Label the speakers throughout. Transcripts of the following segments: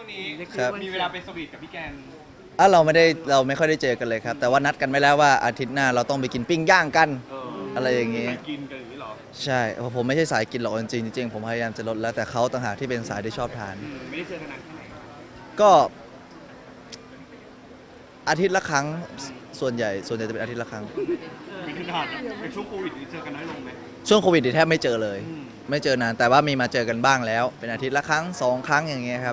Speaker 1: นี้
Speaker 2: ครับ
Speaker 1: มีเวลาไปสวีทกับพี่แกน
Speaker 2: เราไม่ค่อยได้เจอกันเลยครับแต่ว่านัดกันไว้แล้วว่าอาทิตย์หน้าเราต้องไปกินปิ้งย่างกัน อะไรอย่างงี้
Speaker 1: ไปกินกันอย่างนี้เหรอ
Speaker 2: ใช่เพราะผมไม่ใช่สายกินหรอกจริงๆผมพยายามจะลดแล้วแต่เขาต่างหากที่เป็นสายที่ชอบทาน
Speaker 1: ไม่ได้เจอกันนานแค่ไหน
Speaker 2: ก็อาทิตย์ละครั้งส่วนใหญ่จะเป็นอาทิตย์ละครั้ง
Speaker 1: ไม่ได้นานนะเป็นช่วงโควิดนี่เจอกันน้อยลงไหม
Speaker 2: ช่วงโควิดนี่แทบไม่เจอเลย
Speaker 1: อืม
Speaker 2: ไม่เจอนานแต่ว่ามีมาเจอกันบ้างแล้ว เป็นอาทิตย์ละครั้ง2 ครั้งอย่างเงี้ยครับ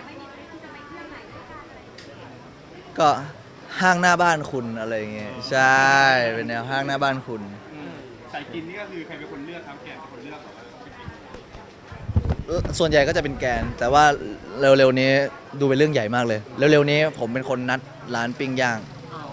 Speaker 2: ก็ห้างหน้าบ้านคุณอะไรอย่างเงี้ยใช่เป็นแนวห้างหน้าบ้านคุณ
Speaker 1: สายกินนี่ก็คือใครเป็นคนเลือกครับแกนเป็นคนเลือกเหรอว่าไปกิน
Speaker 2: ส่วนใหญ่ก็จะเป็นแกน แต่ว่าเร็วๆนี้ดูเป็นเรื่องใหญ่มากเลย เร็วๆนี้ผมเป็นคนนัดร้านปิ้งย่าง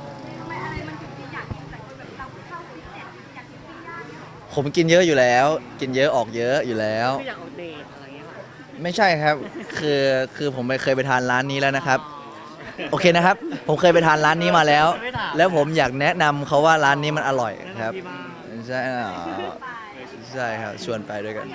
Speaker 2: ผมกินเยอะอยู่แล้ว กินเยอะออกเยอะอยู่แล้ว
Speaker 3: คืออยากออกเดทอะไรเงี้ยค่ะ
Speaker 2: ไม่ใช่ครับ คือผมเคยไปทานร้านนี้แล้วนะครับ โอเคนะครับ ผมเคยไปทานร้านนี้มาแล้ว แล้วผมอยากแนะนำเขาว่าร้านนี้มันอร่อยครับ
Speaker 3: ที่บ้าน
Speaker 2: ใช่ใช่ครับ ชวนไปด้วยกัน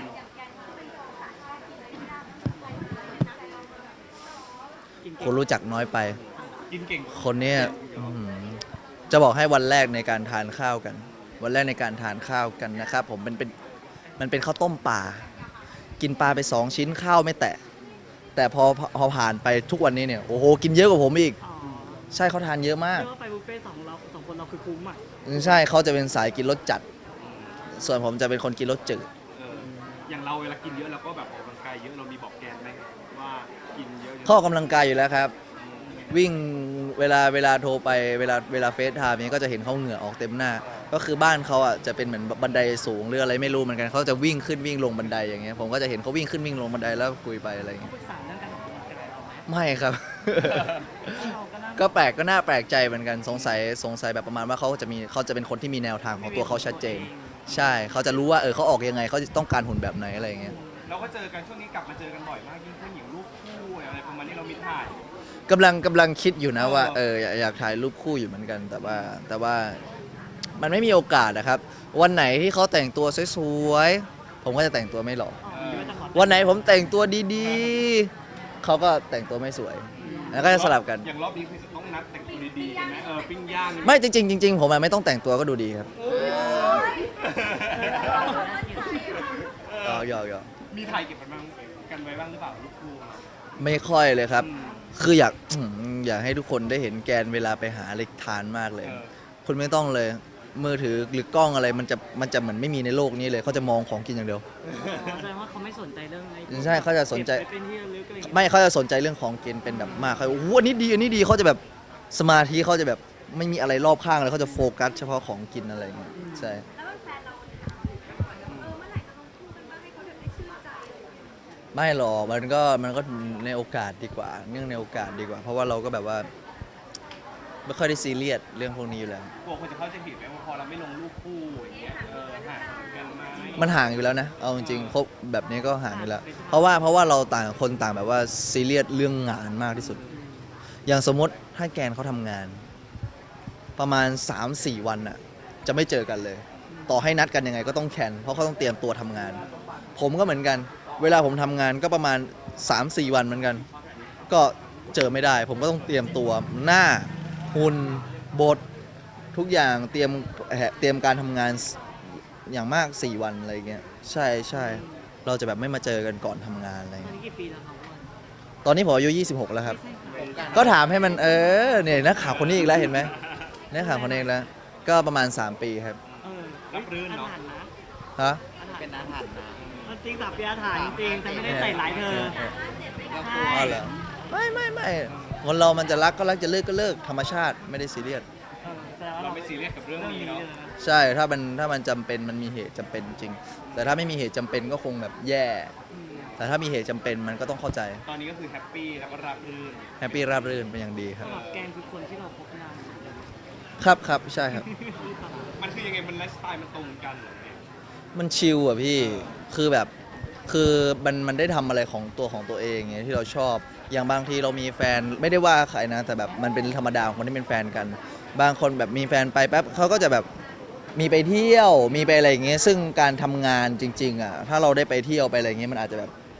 Speaker 3: กิน
Speaker 2: คนรู้จักน้อยไป
Speaker 1: กินเก่ง
Speaker 2: คนเนี้ยอื้อหือจะบอกให้วันแรกในการทานข้าวกัน วันแรกในการทานข้าวกันนะครับ ผมมันเป็นข้าวต้มปลา กินปลาไป2 ชิ้นข้าวไม่แตะ แต่พอผ่านไปทุกวันนี้เนี่ย โอ้โห กินเยอะกว่าผมอีก
Speaker 3: อ๋อ
Speaker 2: ใช่เขาทานเยอะมาก
Speaker 3: เรียกว่าไปบุฟเฟ่ต์สองคนเราคือคุ้มอ่ะ
Speaker 2: ใช่เขาจะเป็นสายกินรสจัด ส่วนผมจะเป็นคนกินรสจืด
Speaker 1: อย่างเราเวลากินเยอะเราก็แบบออกกำลังกายเยอะเรามีบอกแกนไหมว่ากินเยอะ
Speaker 2: เข้าออกกำลังกายอยู่แล้วครับ วิ่งเวลาโทรไปเวลาเฟซไทม์นี้ก็จะเห็นเขาเหงื่อออกเต็มหน้า ก็คือบ้านเขาอ่ะจะเป็นเหมือนบันไดสูงหรืออะไรไม่รู้เหมือนกันเขาจะวิ่งขึ้นวิ่งลงบันไดอย่างเงี้ยผมก็จะเห็นเขาวิ่งขึ้นวิ่งลงบันไดแล้วคุยไปอะไรอย่างเงี้ย
Speaker 3: ปรึกษาเรื่องการออกกำลังกายเราไหม
Speaker 2: ไม่ครับ
Speaker 3: เราก็นั่ง
Speaker 2: ก็แปลกก็น่าแปลกใจเหมือนกันสงสัยแบบประมาณว่าเขาจะเป็นคนที่มีแนวทางของตัวเขาชัดเจน ใช่เขาจะรู้ว่าเขาออกยังไงเขาต้องการหุ่นแบบไหนอะไรอย่างเงี้ย
Speaker 1: เราก็เจอกันช่วงนี้กลับมาเจอกันบ่อยมากยิ่งขึ้นอย่างรูปคู่อะไรประมาณนี้เรามีถ่าย
Speaker 2: กำลังคิดอยู่นะว่าอยากถ่ายรูปคู่อยู่เหมือนกัน แต่ว่ามันไม่มีโอกาสนะครับ วันไหนที่เขาแต่งตัวสวยๆผมก็จะแต่งตัวไม่หล่อ
Speaker 3: อ๋อคิดว่าจะขอ
Speaker 2: วันไหนผมแต่งตัวดีๆเขาก็แต่งตัวไม่สวย แล้วก็จะสลับกัน
Speaker 1: อย่างรอบนี้คือจะต้องนัดแต่งตัวดีๆกันไหมปิ้งย่าง
Speaker 2: ไม่จริงๆผมอะไม่ต้องแต่งตัวก็ดูดีครับหยอก
Speaker 1: มีถ่ายเก็บกันบ้างกันไว้บ้างหรือเปล่ารูปคู่
Speaker 2: ไม่ค่อยเลยครับ คืออยากให้ทุกคนได้เห็นแกนเวลาไปหาอะไรทานมากเลย คุณไม่ต้องเลย มือถือหรือกล้องอะไรมันจะเหมือนไม่มีในโลกนี้เลยเขาจะมองของกินอย่างเดียว
Speaker 3: แสดงว่าเขาไม่สนใจเรื่องอะไร
Speaker 2: ใช่เขาจะสนใจ
Speaker 3: เก็บไว้เป็นที่ระลึกอะไรอย่างเงี้ย
Speaker 2: ไม่เขาจะสนใจเรื่องของกินเป็นแบบมากเขาโอ้โหอันนี้ดีเขาจะแบบสมาธิเขาจะแบบไม่มีอะไรรอบข้างเลยเขาจะโฟกัสเฉพาะของกินอะไรอย่างเงี้ยใช่ไม่หรอกมันก็ในโอกาสดีกว่าเนื่องในโอกาสดีกว่า เพราะว่าเราก็แบบว่าไม่ค่อยได้ซีเรียสเรื่องพวกนี้อยู่แล้ว
Speaker 1: กลัวคนจะเข้าใจผิดไหมว่าพอเราไม่ลงรูปคู่อย่างเงี้ยห่างกันไหม
Speaker 2: มันห่างอยู่แล้วนะเอาจริงๆคบแบบนี้ก็ห่างอยู่แล้ว เพราะว่าเราต่างคนต่างแบบว่าซีเรียสเรื่องงานมากที่สุด อย่างสมมติถ้าแกนเขาทำงาน ประมาณ 3-4 วันน่ะจะไม่เจอกันเลย ต่อให้นัดกันยังไงก็ต้องแคนเพราะเขาต้องเตรียมตัวทำงาน ผมก็เหมือนกัน เวลาผมทำงานก็ประมาณ 3-4 วันเหมือนกัน ก็เจอไม่ได้ ผมก็ต้องเตรียมตัวหน้าหุ่นบททุกอย่างเตรียมการทำงานอย่างมาก 4 วันอะไรเงี้ยใช่เราจะแบบไม่มาเจอกันก่อนทำงานอะไร
Speaker 3: ตอน
Speaker 2: เงี้ย
Speaker 3: นี้กี่ปีแล้วครับว่า
Speaker 2: ตอนนี้ผมอายุ26 แล้วครับ
Speaker 3: ไม่ใช่ค่ะ
Speaker 2: ก็ถามให้มันเนี่ยนักข่าวคนนี้อีกแล้วเห็นไหมนักข่าวคนนี้อีกแล้ว ก็ประมาณ 3 ปีครับ
Speaker 1: รับรื่นเนาะ
Speaker 3: อาถรรพ์นะ
Speaker 2: ฮะ
Speaker 3: เป็นอาถรรพ์นะมันจริงสับเปียอาถรรพ์จริงแต่ไม่ได้ใส่ร้ายเธอใช่
Speaker 2: อ๋อเหรอไม่คนเรามันจะรักก็รักจะเลิกก็เลิกธรรมชาติไม่ได้ซีเรียส
Speaker 3: แสดงว่า
Speaker 1: เราไม่ซีเรียสกับเรื่องนี้เนาะ
Speaker 2: ใช่ถ้ามันจำเป็นมันมีเหตุจำเป็นจริง แต่ถ้าไม่มีเหตุจำเป็นก็คงแบบแย่ แต่ถ้ามีเหตุจำเป็นมันก็ต้องเข้าใจ
Speaker 1: ตอนนี้ก็คือแฮปปี้แล้วก็รับรื่น
Speaker 2: แฮปปี้ราบรื่นเป็นอย่างดีครับ
Speaker 3: สำหรับแกนคือคนที่เราพบนานสุดเลย
Speaker 2: ครับใช่ครับ
Speaker 1: มันคือยังไงมันไลฟ์สไตล์มันตรงกันเหรอเนี่ย
Speaker 2: มันชิลอ่ะพี่ คือแบบ คือมันได้ทำอะไรของตัวเองไงที่เราชอบ อย่างบางทีเรามีแฟนไม่ได้ว่าใครนะ แต่แบบมันเป็นธรรมดาของคนที่เป็นแฟนกัน บางคนแบบมีแฟนไปแป๊บเขาก็จะแบบมีไปเที่ยว มีไปอะไรอย่างเงี้ย ซึ่งการทำงานจริงๆอ่ะ ถ้าเราได้ไปเที่ยวไปอะไรอย่างเงี้ยมันอาจจะแบบ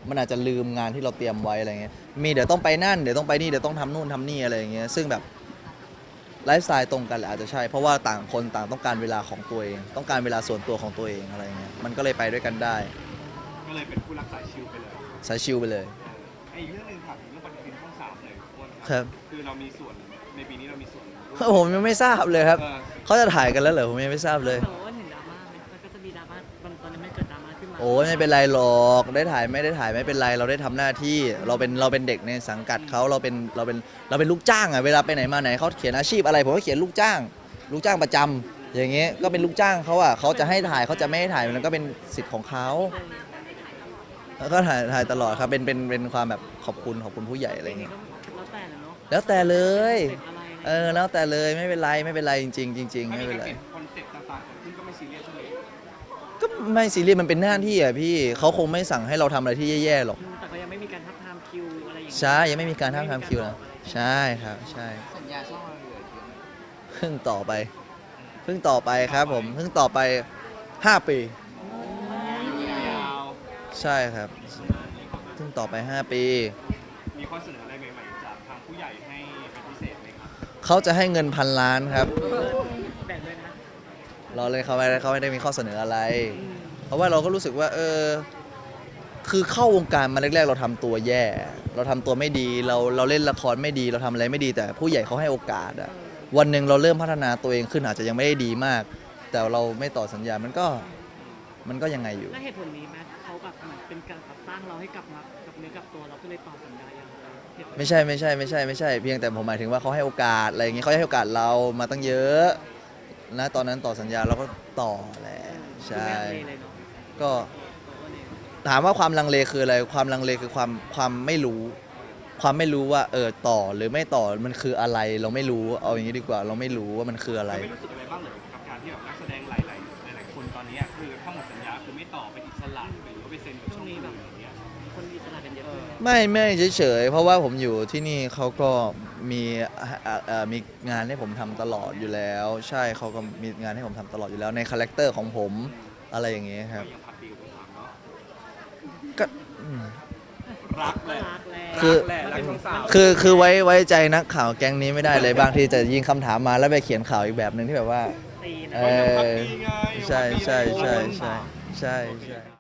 Speaker 2: มันอาจจะลืมงานที่เราเตรียมไว้อะไรเงี้ยมีเดี๋ยวต้องไปนั่นเดี๋ยวต้องไปนี่เดี๋ยวต้องทำนู่นทำนี่อะไรอย่างเงี้ยซึ่งแบบไลฟ์สไตล์ตรงกันแหละอาจจะใช่เพราะว่าต่างคนต่างต้องการเวลาของตัวเอง ต้องการเวลาส่วนตัวของตัวเองอะไรเงี้ยมันก็เลยไปด้วยกันได้
Speaker 1: ก็เลยเป็นคู่รักสายชิลไปเลย
Speaker 2: สายชิลไปเลย
Speaker 1: ไอ้อีกเรื่องหนึ่งถามถึงเรื่องปฏิทินช่องสามเลยอ้วน
Speaker 2: ครับ
Speaker 1: คือเรามีส่วนในปีนี้เรามีส่วน
Speaker 2: ผมยังไม่ทราบเลยครับ
Speaker 1: เออ
Speaker 2: เขาจะถ่ายกันแล้วเหรอผมยังไม่ทราบเลย
Speaker 3: แต่ว่าเห็นดราม่าไหมมันก็จะมีดราม่าตอนนี้มันเกิดดราม่าขึ้นมา
Speaker 2: โอ้ยไม่เป็นไรหรอกได้ถ่ายไม่ได้ถ่ายไม่เป็นไรเราได้ทำหน้าที่เราเป็นเด็กในสังกัดเขาเราเป็นลูกจ้างอะเวลาไปไหนมาไหนเขาเขียนอาชีพอะไรผมก็เขียนลูกจ้างประจำอย่างเงี้ยก็เป็นลูกจ้างเขาอะเขาจะให้ถ่ายเขาจะไม่ให้ถ่ายมันก็เป็นสิทธิ์ของเขาแล้วก็ถ่ายตลอดครับเป็นความแบบขอบคุณผู้ใหญ่อะไร
Speaker 3: จริง
Speaker 2: เงี้ย
Speaker 3: ๆก็แล้วแต่แหละเนาะ
Speaker 2: แล้วแต่เลย
Speaker 3: เสร็จอะไรอะไร
Speaker 2: แล้วแต่เลยไม่เป็นไรจริงๆจริงๆ
Speaker 1: ไม่
Speaker 2: ไม่
Speaker 1: มี
Speaker 2: เป็น
Speaker 1: การ
Speaker 2: ไร
Speaker 1: เปลี่ยนคอนเซ็ปต์ต่างๆซึ่งก็ไม่ซีเรียสใช่ไหม
Speaker 2: ก็ไม่ซีเรียสมันเป็นหน้าที่อะพี่เขาคงไม่สั่งให้เราทำอะไรที่แย่ๆหรอก
Speaker 3: แต่ก็ยังไม่มีการทับทามคิวอะไรอย่างเงี้ย
Speaker 2: ใช่ยังไม่มีการทำคิวนะใช่ครับใช่
Speaker 4: สัญญาช่องเราเหลือเยอะไหม
Speaker 2: เพิ่งต่อไปครับผมเพิ่งต่อไป 5 ปี
Speaker 1: ยาว
Speaker 2: ใช่ครับเพิ่งต่อไป 5 ปี
Speaker 1: มีข้อเสนออะไรใหม่ๆจากทางผู้ใหญ่ให้เป็นพิเศษไหมครับ
Speaker 2: เขาจะให้เงิน1,000 ล้านครับ
Speaker 3: แบ่งด้วยนะ
Speaker 2: เราเลยเขาไม่ได้มีข้อเสนออะไร เพราะว่าเราก็รู้สึกว่าคือเข้าวงการมาแรกๆเราทำตัวแย่ เราทำตัวไม่ดีเราเล่นละครไม่ดีเราทำอะไรไม่ดีแต่ผู้ใหญ่เขาให้โอกาสอะวันหนึ่งเราเริ่มพัฒนาตัวเองขึ้นอาจจะยังไม่ได้ดีมาก แต่เราไม่ต่อสัญญามันก็ยังไงอยู่
Speaker 3: แล้วเหตุผลนี้ไหมเขาแบบเหมือนเป็นการแบบสร้างเราให้กลับมากับเนื้อกับตัวเราก็เลยต่อสัญญาอย่างเหตุผล
Speaker 2: ไม่ใช่เพียงแต่ผมหมายถึงว่าเขาให้โอกาสอะไรอย่างเงี้ยเขาให้โอกาสเรามาตั้งเยอะนะตอนนั้นต่อสัญญาเราก็ต่อแหละใช่
Speaker 3: คือไม่ลังเลเลยเนาะ
Speaker 2: ก็ถามว่าความลังเลคืออะไรความลังเลคือความไม่รู้ว่าต่อหรือไม่ต่อมันคืออะไรเราไม่รู้เอาอย่างนี้ดีกว่าเราไม่รู้ว่ามันคืออะไร
Speaker 1: ไม่รู้สึกอะไรบ้างเหรอกับการที่แบบนักแสดงหลายคนตอนนี้คือถ้าหมดสัญญาคือไม่ต่อเป็นอิสระหรือว่าไปเซ็นกับช่องอื่นอย่างเงี้ย
Speaker 3: คนมีอิสระกันเยอะขึ้นไหม
Speaker 2: ไม่เฉยๆเพราะว่าผมอยู่ที่นี่เขาก็มีงานให้ผมทำตลอดอยู่แล้ว ใช่เขาก็มีงานให้ผมทำตลอดอยู่แล้วในคาแรคเตอร์ของผมอะไรอย่างเงี้ยครับ
Speaker 1: ก็ยังผัดดีกับสามเนาะ
Speaker 2: ก็อืม
Speaker 1: รักแหละ
Speaker 3: รักแหละ
Speaker 2: คือ
Speaker 1: แหละรักช่องสาม
Speaker 2: คือไว้ใจนักข่าวแก๊งนี้ไม่ได้เลยบางทีจะยิงคำถามมาแล้วไปเขียนข่าวอีกแบบหนึ่งที่แบบว่า
Speaker 3: ตีนะ
Speaker 2: เอ
Speaker 1: ก็ยัง
Speaker 2: อ
Speaker 1: พักดีไง
Speaker 2: ใช่
Speaker 1: ยังพักดี
Speaker 2: ใช่
Speaker 1: ไง
Speaker 2: ใช่